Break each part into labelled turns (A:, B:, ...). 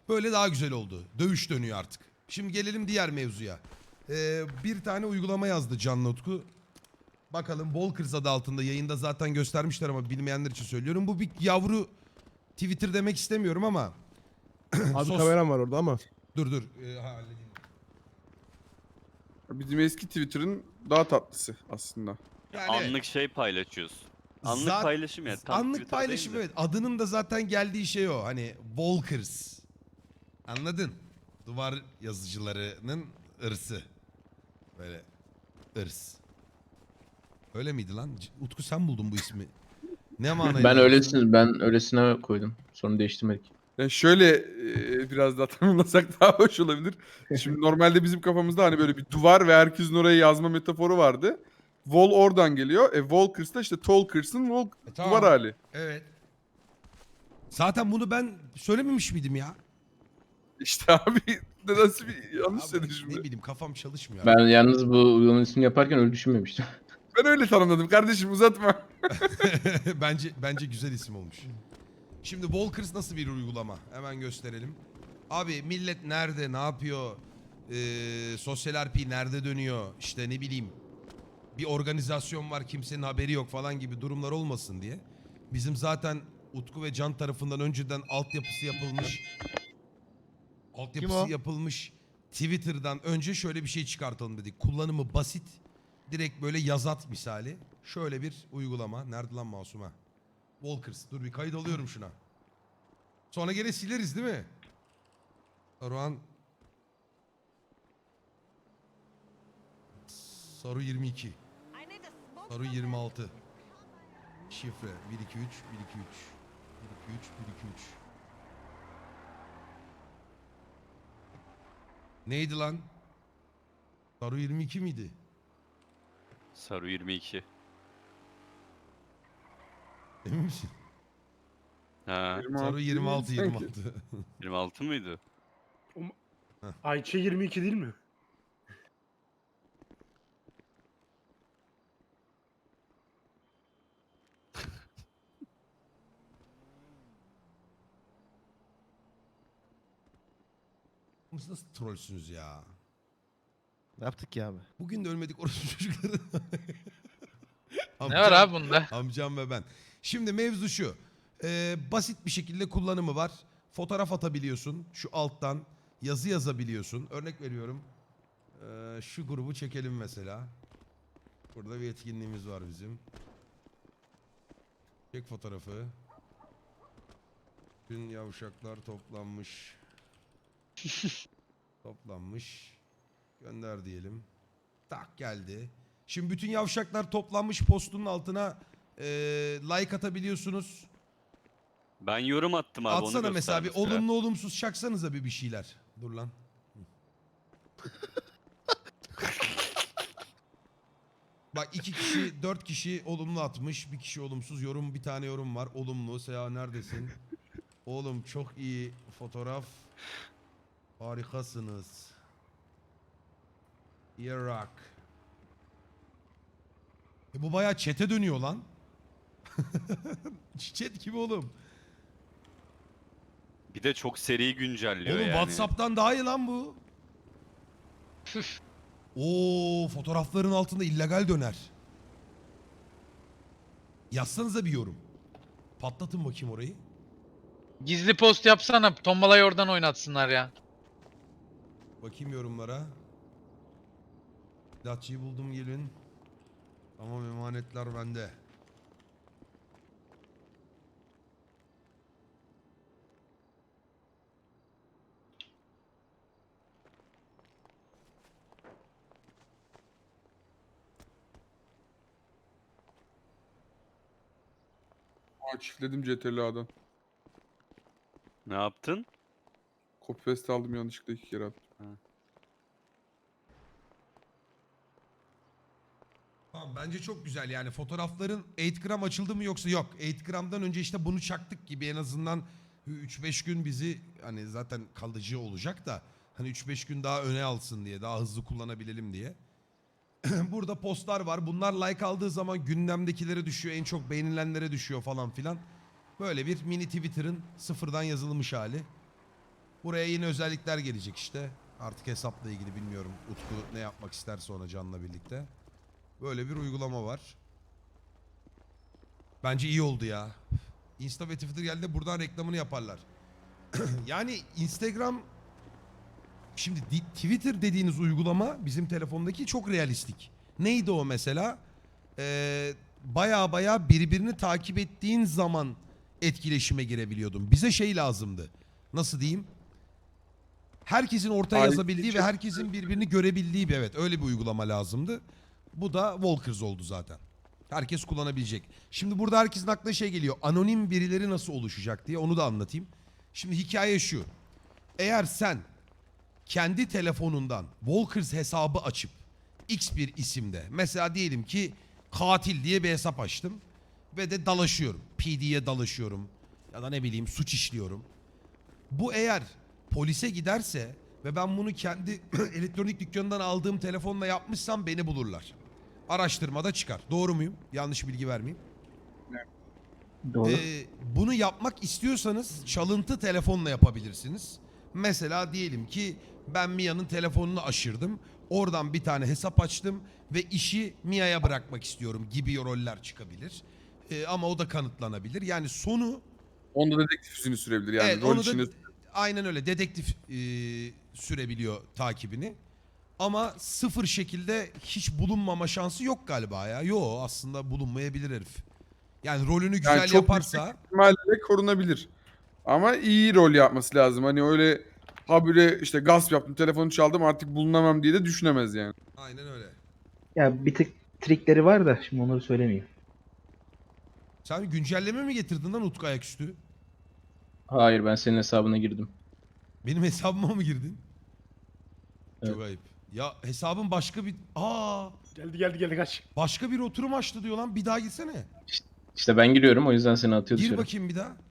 A: Böyle daha güzel oldu. Dövüş dönüyor artık. Şimdi gelelim diğer mevzuya. Bir tane uygulama yazdı Can Utku. Bakalım Walkers adı altında, yayında zaten göstermişler ama bilmeyenler için söylüyorum. Bu bir yavru Twitter demek istemiyorum ama.
B: Abi kameram var orada ama.
A: Dur. Halledeyim.
C: Bizim eski Twitter'ın daha tatlısı aslında.
A: Yani evet.
D: Anlık şey paylaşıyoruz. Anlık
A: Zat-
D: paylaşım ya. Tam
A: Anlık
D: Twitter
A: paylaşım,
D: değil de.
A: evet. Adının da zaten geldiği şey o. Hani Walkers. Anladın? Duvar yazıcılarının ırsı. Böyle ırs. Öyle miydi lan? Utku sen buldun bu ismi. Ne manayla?
E: Ben öylesine koydum. Sonra değiştirmedik.
C: Yani şöyle biraz daha tanımlasak daha hoş olabilir. Şimdi normalde bizim kafamızda hani böyle bir duvar ve herkesin oraya yazma metaforu vardı. Wall oradan geliyor. Walkers da işte Talkers'ın
A: Tamam.
C: duvar hali.
A: Evet. Zaten bunu ben söylememiş miydim ya?
C: İşte abi nasıl bir yanlış
A: Abi,
C: söyledin
A: ne
C: şimdi.
A: bileyim, kafam çalışmıyor.
E: Ben yalnız bu uygulamanın ismini yaparken öyle düşünmemiştim.
C: Ben öyle tanımladım kardeşim uzatma.
A: bence güzel isim olmuş. Şimdi Walkers nasıl bir uygulama? Hemen gösterelim. Abi millet nerede, ne yapıyor? Sosyal RP nerede dönüyor? İşte ne bileyim. Bir organizasyon var, kimsenin haberi yok falan gibi durumlar olmasın diye. Bizim zaten Utku ve Can tarafından önceden altyapısı yapılmış Twitter'dan önce şöyle bir şey çıkartalım dedik. Kullanımı basit, direkt böyle yazat misali. Şöyle bir uygulama. Nerede lan Masum'a? Walkers. Dur bir kayıt alıyorum şuna. Sonra gene sileriz değil mi? Saruhan. Saru 22. Saru 26. Şifre 123 123 123 123. Neydi lan? Saru 22 miydi?
D: Saru 22.
A: Emin misin?
D: Ha.
A: Saru 26
C: sanki.
A: 26.
D: 26 mıydı?
B: Ayça 22 değil mi?
A: Siz nasıl trollsünüz ya?
F: Ne yaptık ya abi?
A: Bugün de ölmedik orası çocukları.
G: Ne var abi bunda?
A: Amcam ve ben. Şimdi mevzu şu. Basit bir şekilde kullanımı var. Fotoğraf atabiliyorsun. Şu alttan yazı yazabiliyorsun. Örnek veriyorum. Şu grubu çekelim mesela. Burada bir etkinliğimiz var bizim. Çek fotoğrafı. Bütün yavşaklar toplanmış. Toplanmış. Gönder diyelim. Tak geldi. Şimdi bütün yavşaklar toplanmış postunun altına like atabiliyorsunuz.
D: Ben yorum attım abi.
A: Atsana
D: onu
A: mesela bir
D: göster mesela.
A: olumlu olumsuz çaksanıza bir şeyler. Dur lan. Bak 2 kişi 4 kişi olumlu atmış. Bir kişi olumsuz. Bir tane yorum var. Olumlu. Seha neredesin? Oğlum çok iyi fotoğraf. Harikasınız. Irak. Bu bayağı chat'e dönüyor lan. Chat gibi oğlum.
D: Bir de çok seri güncelliyor
A: Oğlum
D: yani.
A: WhatsApp'tan daha iyi lan bu. Oo, fotoğrafların altında illegal döner. Yazsanıza bir yorum. Patlatın bakayım orayı.
G: Gizli post yapsana. Tombalayı oradan oynatsınlar ya.
A: Bakayım yorumlara. Datçıyı buldum gelin. Tamam, emanetler bende.
C: Çiftledim CTRL'den.
D: Ne yaptın?
C: Copy paste aldım yanlışlıkla 2 kere attım.
A: Tamam, bence çok güzel yani fotoğrafların 8 gram açıldı mı yoksa yok. 8 gramdan önce işte bunu çaktık gibi en azından 3-5 gün bizi hani zaten kalıcı olacak da hani 3-5 gün daha öne alsın diye, daha hızlı kullanabilelim diye. Burada postlar var. Bunlar like aldığı zaman gündemdekilere düşüyor, en çok beğenilenlere düşüyor falan filan. Böyle bir mini Twitter'ın sıfırdan yazılmış hali. Buraya yeni özellikler gelecek işte. Artık hesapla ilgili bilmiyorum. Utku ne yapmak isterse ona Can'la birlikte. Böyle bir uygulama var. Bence iyi oldu ya. Insta ve Twitter geldi, buradan reklamını yaparlar. Yani Instagram... Şimdi Twitter dediğiniz uygulama bizim telefondaki çok realistik. Neydi o mesela? Baya birbirini takip ettiğin zaman etkileşime girebiliyordun. Bize şey lazımdı. Nasıl diyeyim? Herkesin ortaya
C: Ayrı
A: yazabildiği
C: bir
A: ve herkesin birbirini görebildiği bir, evet, öyle bir uygulama lazımdı. Bu da Walkers oldu zaten. Herkes kullanabilecek. Şimdi burada herkesin aklına şey geliyor. Anonim birileri nasıl oluşacak diye, onu da anlatayım. Şimdi hikaye şu. Eğer sen kendi telefonundan Walkers hesabı açıp X bir isimde, mesela diyelim ki katil diye bir hesap açtım ve de dalaşıyorum. PD'ye dalaşıyorum ya da ne bileyim suç işliyorum. Bu eğer polise giderse ve ben bunu kendi elektronik dükkanından aldığım telefonla yapmışsam beni bulurlar. Araştırmada çıkar. Doğru muyum? Yanlış bilgi vermeyeyim.
E: Doğru.
A: Bunu yapmak istiyorsanız çalıntı telefonla yapabilirsiniz. Mesela diyelim ki ben Mia'nın telefonunu aşırdım. Oradan bir tane hesap açtım ve işi Mia'ya bırakmak istiyorum gibi roller çıkabilir. Ama o da kanıtlanabilir. Yani sonu...
C: Onda dedektif yüzünü sürebilir yani.
A: Evet,
C: Rol
A: onu
C: içinde
A: da aynen öyle dedektif sürebiliyor takibini. Ama sıfır şekilde hiç bulunmama şansı yok galiba ya. Yo, aslında bulunmayabilir herif. Yani rolünü güzel
C: yani çok
A: yaparsa...
C: yüksek ihtimalle korunabilir. Ama iyi rol yapması lazım. Hani öyle habire işte gasp yaptım, telefonu çaldım artık bulunamam diye de düşünemez yani.
A: Aynen öyle.
H: Ya bir tık trikleri var da şimdi onları söylemeyeyim.
A: Sen güncelleme mi getirdin lan Utku ayaküstü?
E: Hayır, ben senin hesabına girdim.
A: Benim hesabıma mı girdin?
E: Evet.
A: Çok ayıp. Ya hesabın başka bir...
B: Geldi kaç.
A: Başka bir oturum açtı diyor lan. Bir daha gitsene.
E: İşte ben giriyorum, o yüzden seni atıyor
A: Gir
E: dışarı.
A: bakayım bir daha.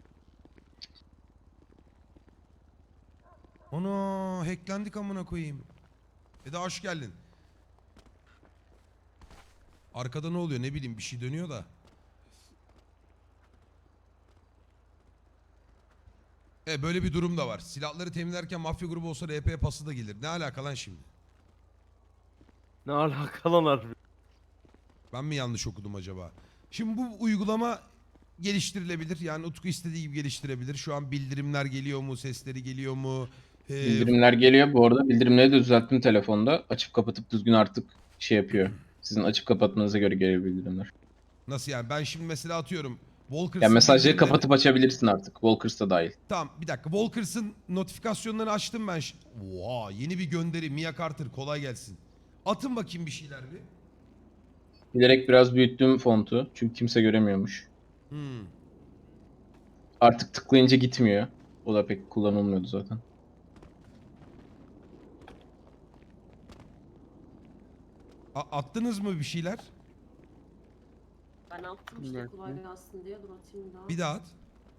A: Ana hacklendik amına koyayım. Eda hoş geldin. Arkada ne oluyor ne bileyim, bir şey dönüyor da. Böyle bir durum da var. Silahları temizlerken mafya grubu olsa RP pası da gelir. Ne alaka lan şimdi?
B: Ne alaka lan harbi.
A: Ben mi yanlış okudum acaba? Şimdi bu uygulama geliştirilebilir. Yani Utku istediği gibi geliştirebilir. Şu an bildirimler geliyor mu? Sesleri geliyor mu?
E: Bildirimler geliyor. Bu arada bildirimleri de düzelttim telefonda. Açıp kapatıp düzgün artık şey yapıyor. Sizin açıp kapatmanıza göre geliyor bildirimler.
A: Nasıl yani? Ben şimdi mesela atıyorum. Walkers'ın
E: Yani mesajları
A: bildirimleri-
E: kapatıp açabilirsin artık. Walkers da dahil.
A: Tamam bir dakika. Walkers'ın notifikasyonlarını açtım ben. Oha, yeni bir gönderi. Mia Carter kolay gelsin. Atın bakayım bir şeyler bir.
E: Bilerek biraz büyüttüm fontu. Çünkü kimse göremiyormuş.
A: Hmm.
E: Artık tıklayınca gitmiyor. O da pek kullanılmıyordu zaten.
A: Attınız mı bir şeyler?
I: Ben attım
C: Bir
I: işte
C: dakika.
I: kolay gelsin diye. Dur atayım daha.
A: Bir daha at.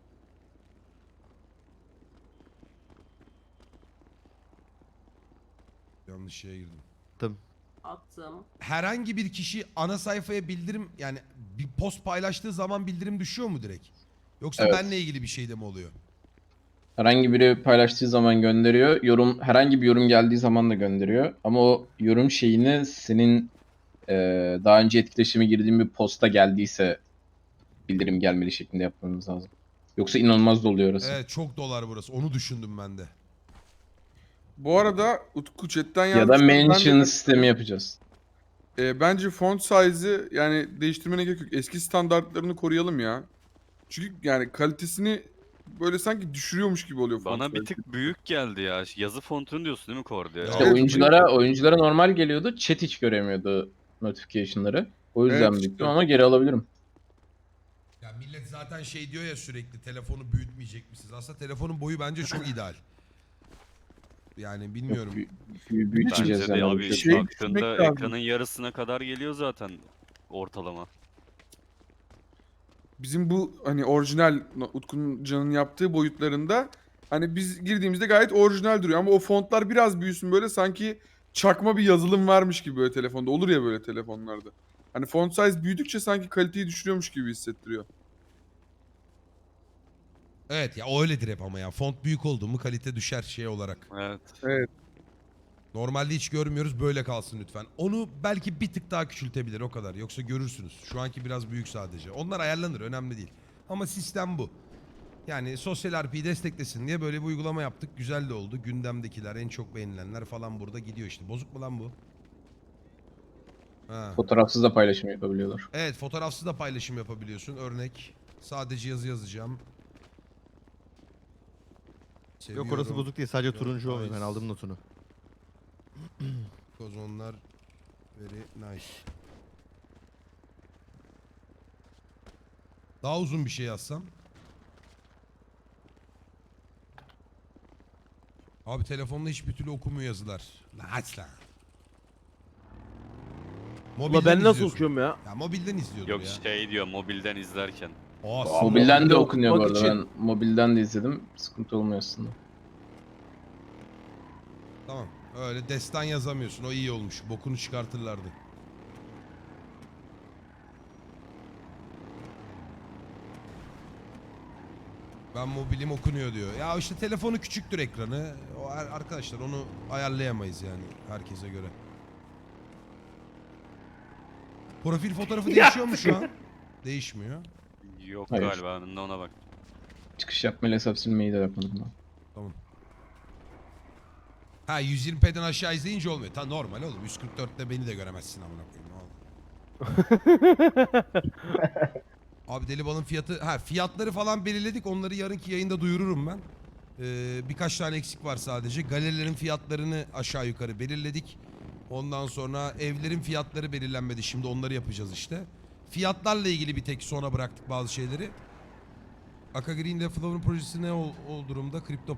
A: Yanlış şeye girdim.
I: Attım.
A: Herhangi bir kişi ana sayfaya bildirim, yani bir post paylaştığı zaman bildirim düşüyor mu direkt? Yoksa
E: Evet.
A: benle ilgili bir şey de mi oluyor?
E: Herhangi biri paylaştığı zaman gönderiyor. Herhangi bir yorum geldiği zaman da gönderiyor. Ama o yorum şeyini senin daha önce etkileşime girdiğin bir posta geldiyse bildirim gelmeli şeklinde yapmamız lazım. Yoksa inanılmaz doluyor orası.
A: Evet, çok dolar burası. Onu düşündüm ben de.
C: Bu arada Utku chatten
E: Ya da
C: yazmış.
E: mention sistemi yapacağız.
C: Bence font size'ı yani değiştirmene gerek yok. Eski standartlarını koruyalım ya. Çünkü yani kalitesini böyle sanki düşürüyormuş gibi oluyor font
D: Bana bir
C: size.
D: tık büyük geldi ya. Yazı fontunu diyorsun değil mi Kordi?
A: Ya,
E: İşte
C: Evet,
E: oyunculara normal geliyordu. Chat hiç göremiyordu notification'ları. O yüzden
C: Evet,
E: büyüttüm
C: işte.
E: ama geri alabilirim.
A: Ya millet zaten şey diyor ya sürekli, telefonu büyütmeyecek misiniz? Aslında telefonun boyu bence çok ideal. Yani bilmiyorum.
E: Büyüteceğiz
D: Bence de
E: yani.
D: abi
E: Şey,
C: Şey
D: baktığında
C: düşünmek lazım.
D: ekranın yarısına kadar geliyor zaten ortalama.
C: Bizim bu hani orijinal Utku'nun Can'ın yaptığı boyutlarında hani biz girdiğimizde gayet orijinal duruyor ama o fontlar biraz büyüsün böyle sanki çakma bir yazılım varmış gibi böyle telefonda. Olur ya böyle telefonlarda. Hani font size büyüdükçe sanki kaliteyi düşürüyormuş gibi hissettiriyor.
A: Evet ya o öyledir hep ama ya. Font büyük oldu mu kalite düşer şey olarak.
D: Evet.
C: Evet.
A: Normalde hiç görmüyoruz, böyle kalsın lütfen. Onu belki bir tık daha küçültebilir, o kadar. Yoksa görürsünüz. Şu anki biraz büyük sadece. Onlar ayarlanır, önemli değil. Ama sistem bu. Yani sosyal RP'yi desteklesin diye böyle bir uygulama yaptık. Güzel de oldu. Gündemdekiler, en çok beğenilenler falan burada gidiyor işte. Bozuk mu lan bu? Ha.
E: Fotoğrafsız da paylaşım yapabiliyorlar.
A: Evet, fotoğrafsız da paylaşım yapabiliyorsun. Örnek. Sadece yazı yazacağım.
F: Yok orası
A: Seviyorum.
F: bozuk değil, sadece
A: Yok,
F: turuncu o. Ben
A: nice.
F: aldım notunu.
A: Kozonlar very nice. Daha uzun bir şey yazsam. Abi telefonla hiçbir türlü okumuyor yazılar. La aç lan.
B: Ulan ben nasıl
A: izliyorsun.
B: okuyorum ya?
A: Ya mobilden izliyordum
D: Yok
A: ya.
D: şey diyor mobilden izlerken.
A: Aa,
E: Mobilden de
B: mobilde
E: okunuyor bu
B: okumak
E: arada.
B: için-
E: Ben mobilden de izledim. Sıkıntı olmuyor aslında.
A: Tamam. Öyle destan yazamıyorsun. O iyi olmuş. Bokunu çıkartırlardı. Ben mobilim okunuyor diyor. Ya işte telefonu küçüktür ekranı. O arkadaşlar onu ayarlayamayız yani herkese göre. Profil fotoğrafı değişiyor mu şu an? Değişmiyor.
D: Yok
E: Hayır.
D: galiba ben de ona bak.
E: Çıkış yapmayla hesap silmeyi de yapmadım ben.
A: Tamam. Ha 120p'den aşağı izleyince olmuyor. Ta normal oğlum. 144'te beni de göremezsin amına koyayım. Ne oldu? Abi deli balın fiyatı... Ha fiyatları falan belirledik. Onları yarınki yayında duyururum ben. Birkaç tane eksik var sadece. Galerilerin fiyatlarını aşağı yukarı belirledik. Ondan sonra evlerin fiyatları belirlenmedi. Şimdi onları yapacağız işte. Fiyatlarla ilgili bir tek sona bıraktık bazı şeyleri. Aka Green ile Flower'ın projesi ne o durumda? Kripto